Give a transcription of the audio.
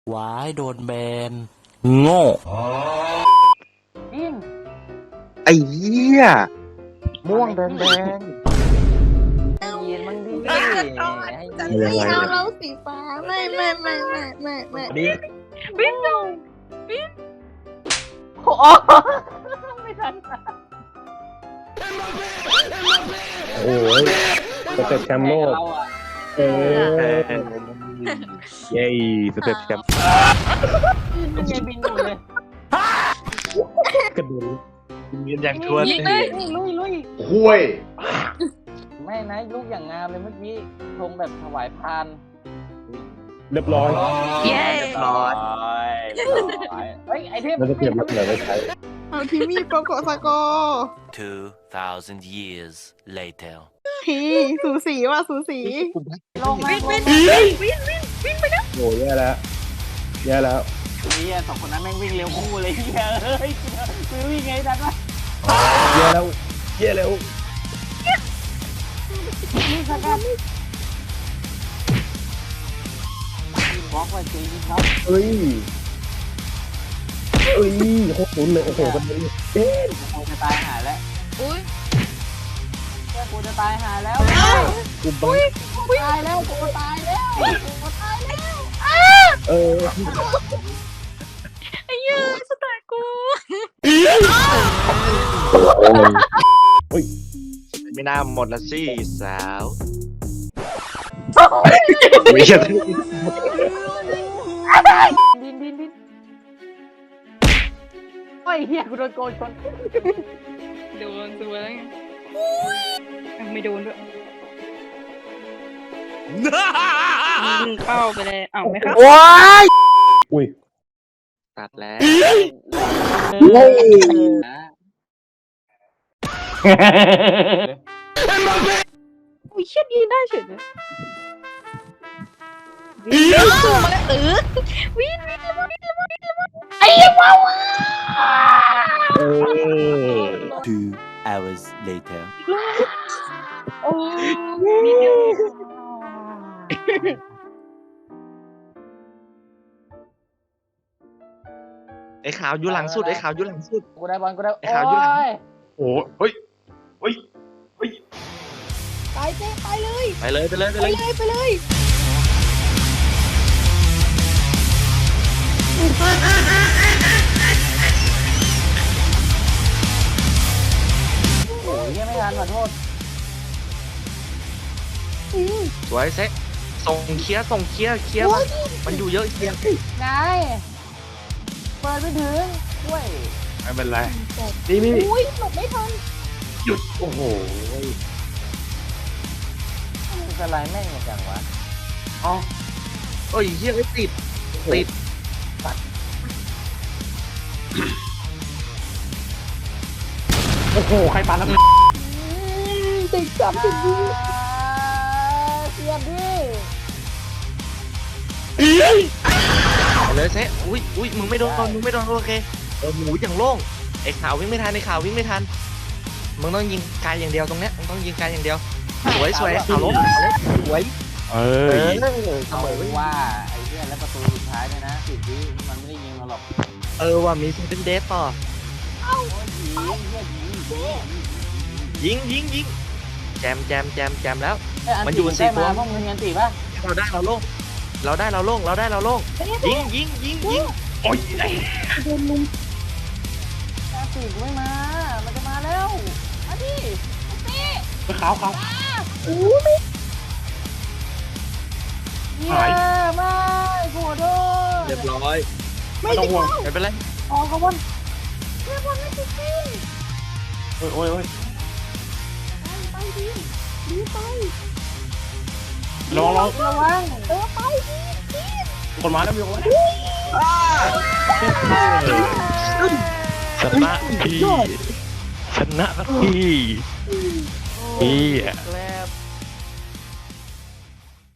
หวายโดนแบนโง่อินไอ้เหี้ยม่วงแดงให้ยินมึงดิให้ยินไม่เอาเราสีฟ้าไม่ดิบินดูบินโอ้ไม่ทันโอ้ยสเต็ปแชมป์โลกเออเย้สเต็ปแชมป์มันยังบินอยู่เลยกระโดดยืนอย่างชวนลุยคุยไม่นะลูกอย่างงามเลยเมื่อกี้ทงแบบถวายพานเรียบร้อยเย้เรียบร้อยเฮ้ยไอเทมแล้วจะเก็บมาเหลือไว้ใช้เอาทีมีโปโกสกอร์ 2,000 years later ทีสูสีว่ะสูสีลงมาวินไปนะโอ้ยแย่แล้วแย่แล้วนี่สองคนนั้นแม่งวิ่งเร็วคู่เลยเฮ้ยคือวิ่งไงดันวะแย่แล้วแย่แล้วนี่สักการบล็อกไว้จริงครับเอ้ยโคตรลุ้นเลยโอ้โหกันเลยเอ๊ะกูจะตายหาแล้วอุ้ยกูจะตายหาแล้วกูบังตายแล้วกูตายแล้วกูตายแล้วเออไอ้ยืนสตาร์กูไม่น่าหมดละสิสาวไม่ใช่ดินโอ้ยเฮียกูโดนโกนชนโดนตัวแล้วไงไม่โดนด้วยเข้าไปเลยอ้าวไม่เข้าอุ้ยตัดแล้วอุ้ยเชี่ยยืนได้เฉยเลยวินสู้มาแล้ววินระวังไอ้ว้าว 2 hours later โอ้ไอ้ขาวอยู่หลังสุดไอ้ขาวอยู่หลังสุดกูได้บอลกูได้ไอ้ขาวอยู่หลังโอ้เฮ้ยไปเจ๊ไปเลยไปเลยไปเลยไปไปเลยเลยไปเลยโอ้ยยังไม่ทันขอโทษสวยเซ็ตส่งเคลียร์มันมันอยู่เยอะเคลียร์นายเปิดไม่ถึงด้วยไม่เป็นไรนี่นี่อุ้ยหลบไม่ทันหยุดโอ้โหจะไรแม่งอย่างจังวะอ๋อเอ้ยเฮียไม่ติดติดโอ้โหใครปาแล้วติดจับติดดีเสียบดิไปเลยเซ็ตอุ้ยมึงไม่โดนโอเคหมูอย่างโล่งไอ้ขาววิ่งไม่ทันมึงต้องยิงไกลอย่างเดียวตรงเนี้ยมึงต้องยิงไกลอย่างเดียวสวยขาวล้มสวยเอเออเสเอามอว่าไอ้เหี้ยแล้วประตูสุดท้ายเนี่ยนะสิบวิมันไม่ได้ยิงเราหรอกว่ามีซิเป็นเดฟต่อโอ้ยยิงเหี้ยยิงยิงแจมแล้วเมันอยู่สี่ตัวพวกมึงเงินตีป่ะเราได้เราโล่งยิงโอ้ยโดนลุมตีไม่มา มันจะมาแล้วมาดิขาวอู้ไม่เหี้ยไม่ขอโทษเรียบร้อยไม่ต้อติงดห่วงไม่เป็นไรออกขบวนเรียบร้อยไม่ติดจริงโอ้ยไปดิดีไประวังระวังไปดิคนมาแล้วมีคนชนะพี่ชนะพี่พี่แล้ว